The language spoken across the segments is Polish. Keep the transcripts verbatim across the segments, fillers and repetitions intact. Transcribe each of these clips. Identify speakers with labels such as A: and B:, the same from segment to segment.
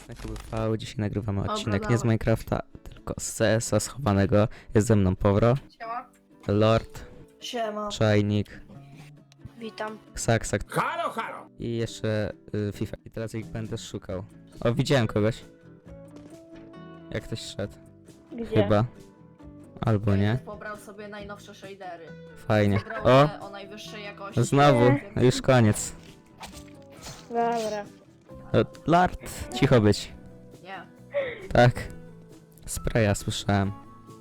A: Na K B V. Dzisiaj nagrywamy
B: Dobra,
A: odcinek nie
B: dawaj.
A: z Minecrafta, tylko z C S a schowanego. Jest ze mną Powro,
B: Siema.
A: Lord,
B: Siema.
A: Czajnik,
C: Witam.
A: Ksaksak
D: Halo, halo!
A: i jeszcze y, FIFA. I teraz ich będę szukał. O, widziałem kogoś. Jak ktoś szedł.
C: Gdzie?
A: Chyba. Albo nie.
B: Pobrał sobie najnowsze shadery.
A: Fajnie.
B: Pobrał
A: O!
B: te o najwyższej jakości.
A: Znowu.
C: Nie.
A: Już koniec.
C: Dobra.
A: O, Lord, cicho być.
B: Nie.
A: Tak. Spraya słyszałem.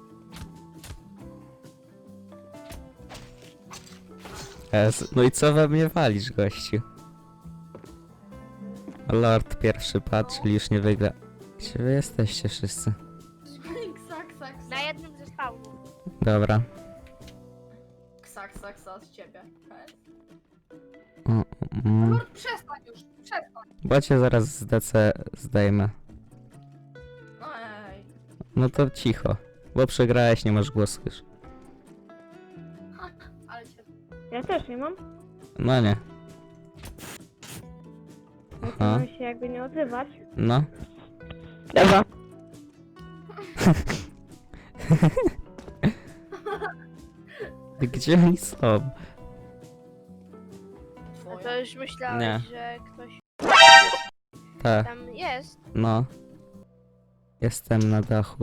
A: Ez, no i co we mnie walisz, gościu? Lord pierwszy padł, czyli już nie wygra. Gdzie wy jesteście wszyscy?
B: Ksak, sak,
C: Na jednym ze spawnów.
A: Dobra.
B: ksak, sak, sak z ciebie.
A: O, mm.
B: Lord, przestań już, przestań.
A: Bo cię zaraz z D C zdejmę.
B: No ej.
A: No to cicho. Bo przegrałeś, nie masz głosu już.
B: Ale cię...
C: Ja też nie mam.
A: No nie.
C: No to
A: Aha.
C: mam się jakby nie odzywać.
A: No.
C: Dobra.
A: Gdzie oni są?
C: A
B: Twoja.
C: to już myślałeś,
A: Nie.
C: że ktoś
A: Tak,
C: tam jest.
A: no. Jestem na dachu.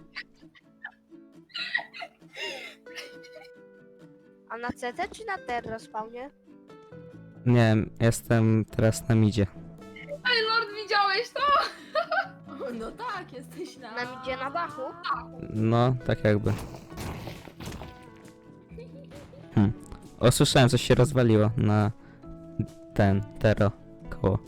C: A na C T czy na Terra spawnie?
A: Nie, jestem teraz na midzie.
B: Ej, Lord, widziałeś to? No tak, jesteś na...
C: Nam idzie na dachu?
A: No, tak jakby. Hm. O, słyszałem, coś się rozwaliło na ten, tero, koło.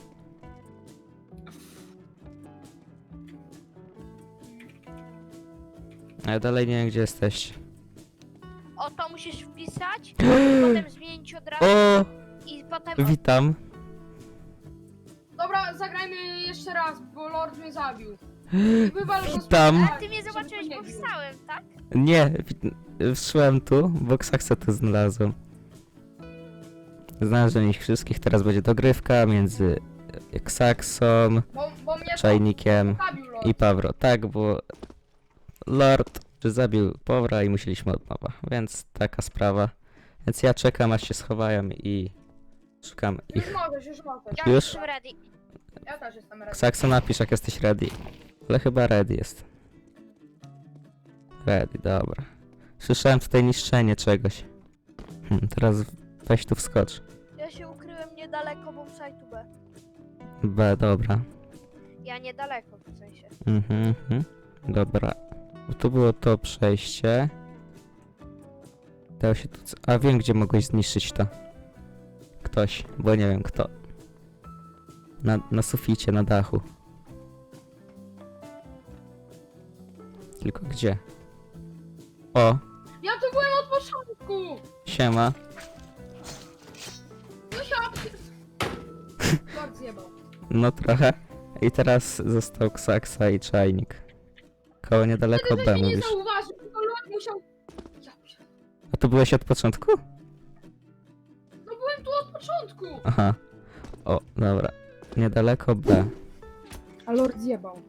A: Ale dalej nie wiem, gdzie jesteście.
C: O, to musisz wpisać, potem zmienić od razu
A: O,
C: i potem...
A: witam.
E: Dobra, zagrajmy jeszcze raz, bo Lord mnie zabił. Wywal go z
A: Witam.
C: Ale ty mnie zobaczyłeś, bo wstałem, tak?
A: Nie, wi- wszłem tu, bo Ksaksa tu znalazłem. Znalazłem ich wszystkich, teraz będzie dogrywka między Ksaksą,
E: Bo, bo mnie
A: Czajnikiem
E: to zabił Lord.
A: i Pawro. Tak, bo Lord zabił Powra i musieliśmy od nowa, więc taka sprawa. Więc ja czekam, aż się schowają i szukam
E: Już
A: ich.
E: możesz, już możesz.
C: Ja
A: Już?
C: jestem ready.
E: Ja też jestem ready.
A: Ksaksa, napisz, jak jesteś ready. Ale chyba ready jest. Ready, dobra. Słyszałem tutaj niszczenie czegoś. Hmm, teraz weź tu wskocz.
C: Ja się ukryłem niedaleko bombsite'u B.
A: B, dobra.
C: Ja niedaleko w sensie.
A: Mhm, mhm. Dobra. Bo tu było to przejście. Dało się tu... c- A wiem, gdzie mogłeś zniszczyć to. Ktoś, bo nie wiem kto. Na, na suficie, na dachu. Tylko gdzie? O,
E: Ja tu byłem od początku!
A: siema.
E: No ja... Lord zjebał.
A: No trochę. I teraz został Ksaksa i Czajnik. Koło niedaleko
E: Wtedy
A: B
E: żeś mnie nie
A: mówisz.
E: zauważył, tylko Lord musiał... Ja pier-
A: A tu byłeś od początku?
E: No byłem tu od początku!
A: Aha. O, dobra. Niedaleko B.
E: A Lord zjebał.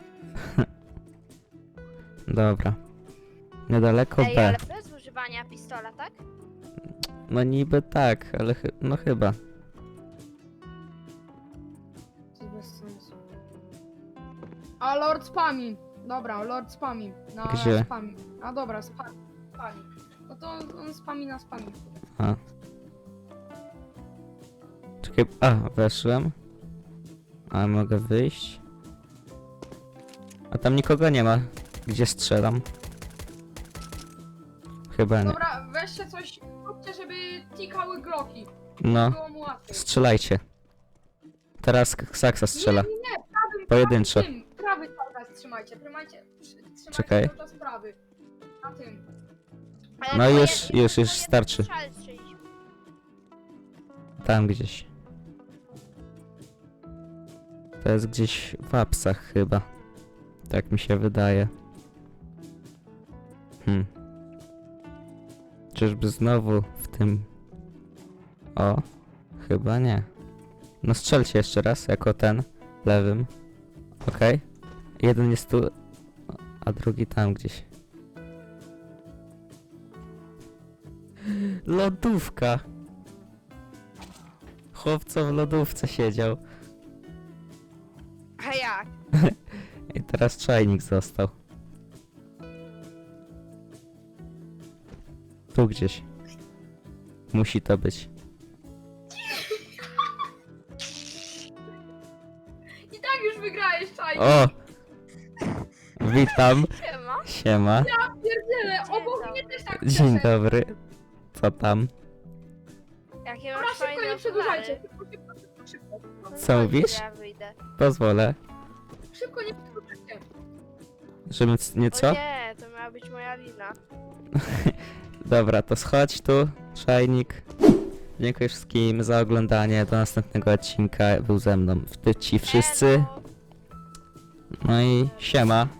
A: Dobra. Niedaleko
C: Ej,
A: B.
C: ale bez używania pistola, tak?
A: No niby tak, ale chy no chyba.
E: To jest bez sensu. A Lord spami. Dobra, Lord spami. Na
A: Gdzie?
E: spami. A dobra, spami. spami. No to on spami na spami.
A: A. Czekaj, a, weszłem. A, mogę wyjść? A tam nikogo nie ma. Gdzie strzelam? Chyba nie.
E: Dobra, weźcie coś, róbcie, żeby tikały gloki.
A: No,
E: Było mu łatwiej.
A: strzelajcie. Teraz Ksaksa strzela.
E: Nie, nie, nie, prawym,
A: Pojedynczo.
E: prawym, tym, prawy cały czas trzymajcie, trzymajcie, trzy- trzymajcie
A: Czekaj.
E: cały czas prawy. Na tym.
C: Ale
A: No
C: to
A: już,
C: jed-
A: już,
C: to
A: już
C: jeden
A: starczy.
C: strzał strzelić.
A: Tam gdzieś. To jest gdzieś w apsach chyba. Tak mi się wydaje. Hmm. Czyżby znowu w tym... O, chyba nie. No strzelcie jeszcze raz, jako ten, lewym. Okej. Jeden jest tu, a drugi tam gdzieś. Lodówka! Chłopco w lodówce siedział.
C: A jak?
A: I teraz czajnik został. Tu gdzieś. Musi to być.
B: I tak już wygrałeś, czaj.
A: O! Witam.
C: Siema.
A: Siema.
B: Pierdziele,
C: Dzień
B: obok
C: dobry.
B: mnie też tak
A: Dzień
B: przeszedł.
A: dobry. Co tam?
C: Jakie
B: Dobra,
C: masz
B: szybko,
C: fajne
B: nie przedłużajcie.
C: okulary.
B: Szybko, szybko, szybko, szybko.
A: Co mówisz?
C: Ja wyjdę.
A: Pozwolę.
B: Szybko, nie przedłużajcie.
A: Żeby c- nie
C: O
A: co?
C: nie, to miała być moja lina.
A: Dobra, to schodź tu, czajnik. Dziękuję wszystkim za oglądanie. Do następnego odcinka. Był ze mną w ci wszyscy.
C: Elo.
A: No i siema.